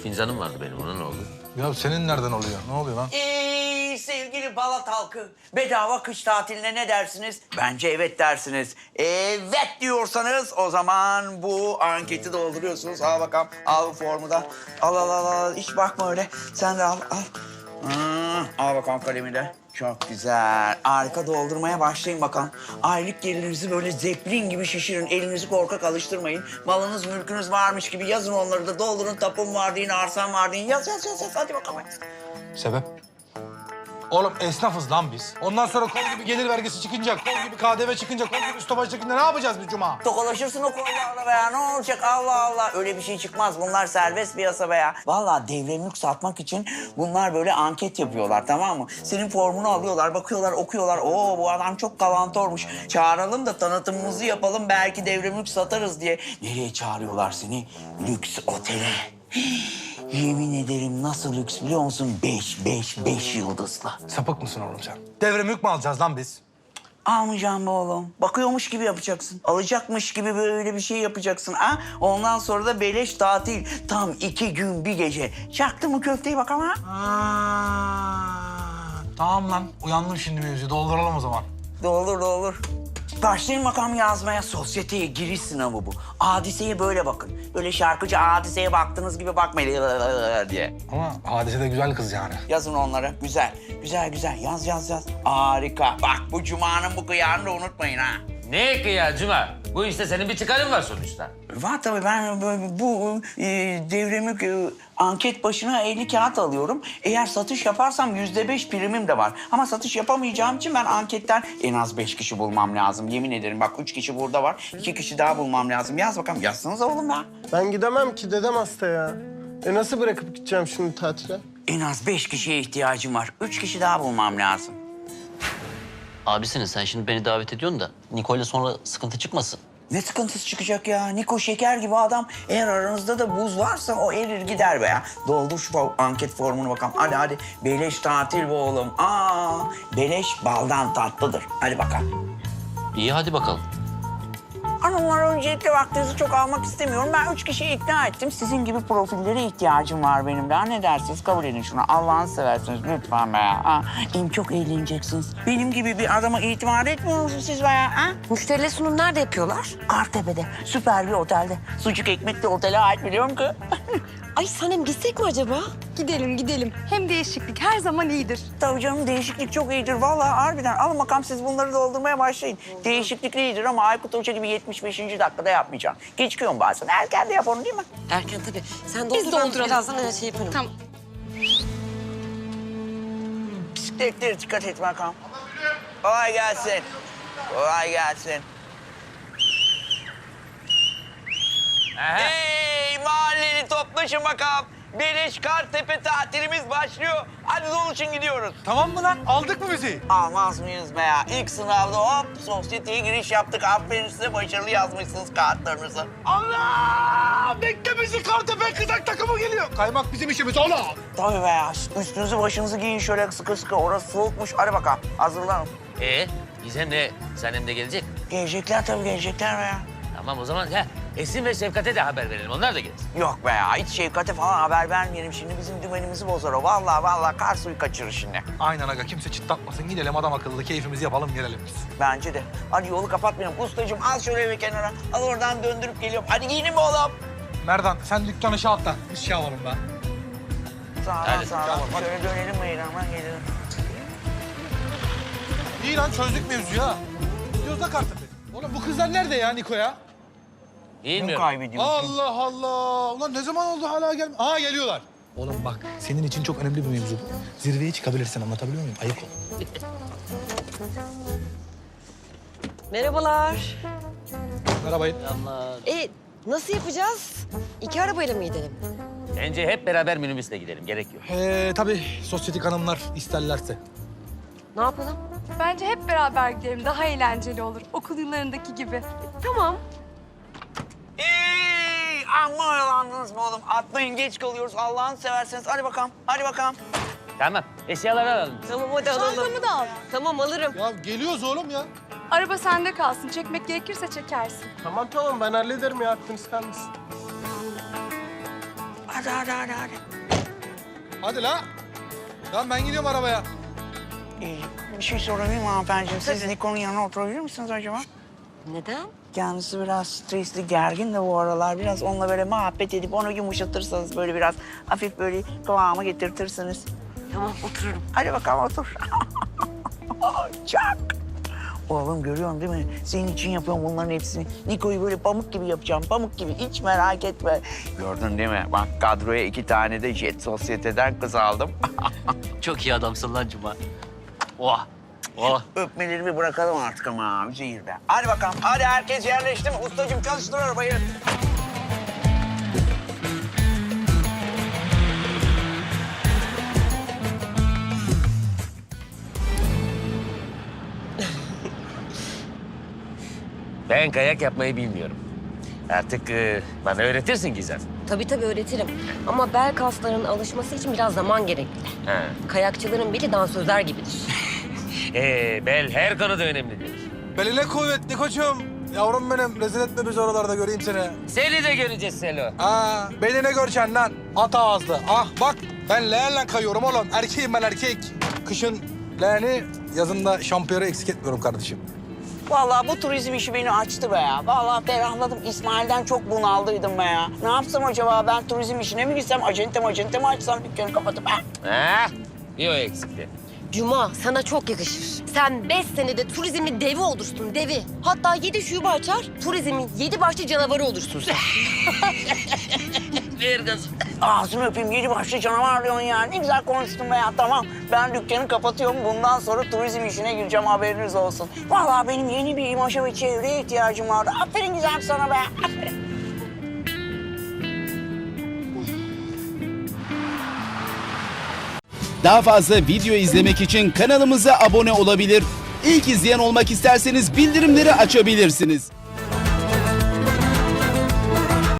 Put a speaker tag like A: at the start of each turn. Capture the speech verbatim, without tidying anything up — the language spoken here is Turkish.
A: fincanım vardı benim. Ona ne oldu?
B: Ya senin nereden oluyor? Ne oluyor lan?
C: Ey sevgili Balat halkı, bedava kış tatiline ne dersiniz? Bence evet dersiniz. Evet diyorsanız o zaman bu anketi dolduruyorsunuz. Al bakalım, al bu formu da. Al al al al, hiç bakma öyle. Sen de al al. Hmm, al bakalım kalemi de. Çok güzel. Harika, doldurmaya başlayın bakalım. Aylık gelirinizi böyle zeplin gibi şişirin. Elinizi korkak alıştırmayın. Malınız, mülkünüz varmış gibi yazın onları da. Doldurun, tapum var deyin, arsam var deyin. Yaz yaz yaz yaz. Hadi bakalım.
B: Sebep? Oğlum esnafız lan biz. Ondan sonra kol gibi gelir vergisi çıkınca, kol gibi K D V çıkınca, kol gibi üstobaj çıkınca ne yapacağız biz Cuma?
C: Tokalaşırsın o kollarla be ya. Ne olacak? Allah Allah. Öyle bir şey çıkmaz. Bunlar serbest piyasa be ya. Vallahi devre mülk satmak için bunlar böyle anket yapıyorlar, tamam mı? Senin formunu alıyorlar, bakıyorlar, okuyorlar. Oo, bu adam çok kalantormuş. Çağıralım da tanıtımımızı yapalım. Belki devre mülk satarız diye. Nereye çağırıyorlar seni? Lüks otele. Yemin ederim nasıl lüks biliyor musun? Beş, beş, beş yıldızlı.
B: Sapık mısın oğlum sen? Devre mülk mü alacağız lan biz?
C: Almayacağım be oğlum. Bakıyormuş gibi yapacaksın. Alacakmış gibi böyle bir şey yapacaksın. Ha? Ondan sonra da beleş tatil. Tam iki gün bir gece. Çaktın mı köfteyi bak ama?
B: Aa, tamam lan. Uyandım şimdi mevzuyu. Dolduralım o zaman.
C: Doldur doldur. Başlayın bakalım yazmaya. Sosyeteye giriş sınavı bu. Hadiseye böyle bakın. Böyle şarkıcı hadiseye baktığınız gibi bakmayın diye.
B: Ama Hadise de güzel kız yani.
C: Yazın onları. Güzel. Güzel güzel. Yaz yaz yaz. Harika. Bak bu Cuma'nın bu kıyağını da unutmayın ha.
A: Ne ki ya Cuma? Bu işte senin bir çıkarın var sonuçta.
C: Var tabii, ben böyle bu e, devremik e, anket başına elli kağıt alıyorum. Eğer satış yaparsam yüzde beş primim de var. Ama satış yapamayacağım için ben anketten en az beş kişi bulmam lazım. Yemin ederim bak üç kişi burada var. iki kişi daha bulmam lazım. Yaz bakalım. Yazsanıza oğlum ya.
D: Ben gidemem ki, dedem hasta ya. E nasıl bırakıp gideceğim şimdi tatile?
C: En az beş kişiye ihtiyacım var. Üç kişi daha bulmam lazım.
E: Abisinin sen şimdi beni davet ediyorsun da Nicole'le sonra sıkıntı çıkmasın.
C: Ne sıkıntısı çıkacak ya? Niko şeker gibi adam. Eğer aranızda da buz varsa o erir gider be ya. Doldur şu fo- anket formunu bakalım. Hadi hadi. Beleş tatil bu oğlum. Aa, beleş baldan tatlıdır. Hadi bakalım.
E: İyi hadi bakalım.
C: Hanımlar, öncelikle vaktinizi çok almak istemiyorum. Ben üç kişiyi ikna ettim. Sizin gibi profillere ihtiyacım var benim de. Ne dersiniz? Kabul edin şunu. Allah'ını seversiniz lütfen be ya. Ha, em çok eğleneceksiniz. Benim gibi bir adama itimat etmiyor musunuz siz be ya? Ha?
F: Müşteriyle sunum nerede yapıyorlar?
C: Kartepe'de, süper bir otelde. Sucuk ekmek de otele ait biliyorum ki.
F: Ay Sanem gitsek mi acaba?
G: Gidelim gidelim. Hem değişiklik her zaman iyidir.
C: Tabii canım, değişiklik çok iyidir. Vallahi harbiden. Alın bakalım, siz bunları doldurmaya başlayın. Değişiklik iyidir ama Aykut Hoca gibi yetmiş beşinci dakikada yapmayacağım. Geçiyorum bazen. Erken de yap onu değil mi?
F: Erken tabii. Sen doldur,
G: Biz
F: ben
G: dolduralım.
F: birazdan öyle şey yaparım.
G: Tamam.
C: Bisikletlere dikkat et bakalım. Kolay gelsin. Kolay gelsin.
A: Aha.
C: Hey mahalleli, toplaşın bakalım. Beleş Kartepe tatilimiz başlıyor. Hadi doluşun gidiyoruz.
B: Tamam mı lan? Aldık mı bizi?
C: Almaz mıyız be ya? İlk sınavda hop sosyeteye giriş yaptık. Aferin size, başarılı yazmışsınız kağıtlarınızı.
B: Allah! Bekle bizi, Kartepe kızak takımı geliyor. Kaymak bizim işimiz oğlum.
C: Tabii be ya. Üstünüzü başınızı giyin şöyle sıkı sıkı. Orası soğukmuş. Hadi bakalım. Hazırlanın.
A: Ee, Gizem de Sanem de gelecek.
C: Gelecekler tabii, gelecekler be ya.
A: Tamam o zaman ha, Esin ve Şefkat'e de haber verelim. Onlar da gelsin.
C: Yok be ya. Hiç Şevkat'e falan haber vermeyelim. Şimdi bizim dümenimizi bozar o. Vallahi vallahi kar suyu kaçırır şimdi.
B: Aynen aga, kimse çıtlatmasın. Gidelim adam akıllı, keyfimizi yapalım, gelelim biz.
C: Bence de. Hadi yolu kapatmayalım. Ustacığım al şöyle bir kenara. Al oradan döndürüp geliyorum. Hadi giyinin mi oğlum?
B: Merdan sen dükkanı şey atla. Biz şey alalım be.
C: Sağ ol,
A: Hadi,
C: sağ ol.
B: tamam, hadi.
C: Şöyle dönelim meydandan gelelim.
B: İyi lan, çözdük mevzuyu ha. Gidiyoruz da Kartepe. Oğlum bu kızlar nerede ya Niko ya?
C: Kim
A: Bilmiyorum.
C: kaybediyorsun?
B: Allah Allah. Ulan ne zaman oldu hala gelme? Aa geliyorlar. Oğlum bak, senin için çok önemli bir mevzu bu. Zirveye çıkabilirsin, anlatabiliyor muyum? Ayık ol.
F: Merhabalar.
B: Merhaba.
E: Allah.
F: E nasıl yapacağız? İki arabayla mı gidelim?
A: Bence hep beraber minibüsle gidelim. Gerek yok.
B: Ee, tabii sosyetik hanımlar isterlerse.
F: Ne yapalım?
G: Bence hep beraber gidelim. Daha eğlenceli olur. Okul yıllarındaki gibi.
F: Tamam.
C: Ey, amma oyalandınız mı oğlum? Atlayın, geç kalıyoruz. Allah'ını severseniz. Hadi bakalım, hadi bakalım.
A: Tamam. Eşyaları alalım.
F: Tamam hadi alalım.
G: Çantamı da al.
F: Tamam alırım.
B: Ya geliyoruz oğlum ya.
G: Araba sende kalsın. Çekmek gerekirse çekersin.
D: Tamam tamam, ben hallederim ya, aklınız kalmasın.
C: Hadi hadi hadi hadi. hadi.
B: Hadi la. Lan ben gidiyorum arabaya.
C: Ee, bir şey sorabilir miyim hanımefendiciğim? Siz Niko'nun yanına oturabilir misiniz acaba?
F: Neden?
C: Kendisi biraz stresli, gergin de bu aralar. Biraz onunla böyle muhabbet edip onu yumuşatırsanız böyle biraz hafif böyle kıvama getirtirsiniz.
F: Tamam otururum.
C: Hadi bakalım otur. Çak. Oğlum görüyorsun değil mi? Senin için yapıyorum bunların hepsini. Niko'yu böyle pamuk gibi yapacağım, pamuk gibi. Hiç merak etme. Gördün değil mi? Bak kadroya iki tane de Jet Sosyete'den kız aldım.
E: Çok iyi adamsın lan Cuma. Oh. Oh.
C: Öpmelerimi bırakalım artık ama abi zehirde. Hadi bakalım. Hadi herkes yerleşti mi? Ustacığım çalıştır arabayı.
A: Ben kayak yapmayı bilmiyorum. Artık e, bana öğretirsin Gizem.
F: Tabii tabii öğretirim. Ama bel kaslarının alışması için biraz zaman gerekli.
A: Ha.
F: Kayakçıların beli dansözler gibidir.
A: Ee, bel her konuda önemlidir.
B: Beline kuvvetli koçum. Yavrum benim, rezil etme bizi oralarda, göreyim seni.
A: Seni de göreceğiz Selo.
B: Aa, beline göreceksin lan. At ağızlı. Ah bak, ben leğenle kayıyorum oğlum. Erkeğim ben, erkek. Kışın leğeni, yazın da şampiyonu eksik etmiyorum kardeşim.
C: Vallahi bu turizm işi beni açtı be ya. Vallahi ferahladım. İsmail'den çok bunaldıydım be ya. Ne yapsam acaba? Ben turizm işine mi gitsem? Acente acente mi açsam dükkanı kapatıp? Ha?
A: Ha? Bir o eksikti.
F: Cuma sana çok yakışır. Sen beş senede turizmin devi olursun, devi. Hatta yedi şube açar, turizmin yedi başlı canavarı olursun sen.
A: Ver gazı.
C: Ağzını öpeyim, yedi başlı canavar diyorsun ya. Ne güzel konuştun be ya. Tamam, ben dükkanı kapatıyorum. Bundan sonra turizm işine gireceğim, haberiniz olsun. Vallahi benim yeni bir imaja ve çevreye ihtiyacım vardı. Aferin güzel sana be, aferin.
H: Daha fazla video izlemek için kanalımıza abone olabilir. İlk izleyen olmak isterseniz bildirimleri açabilirsiniz.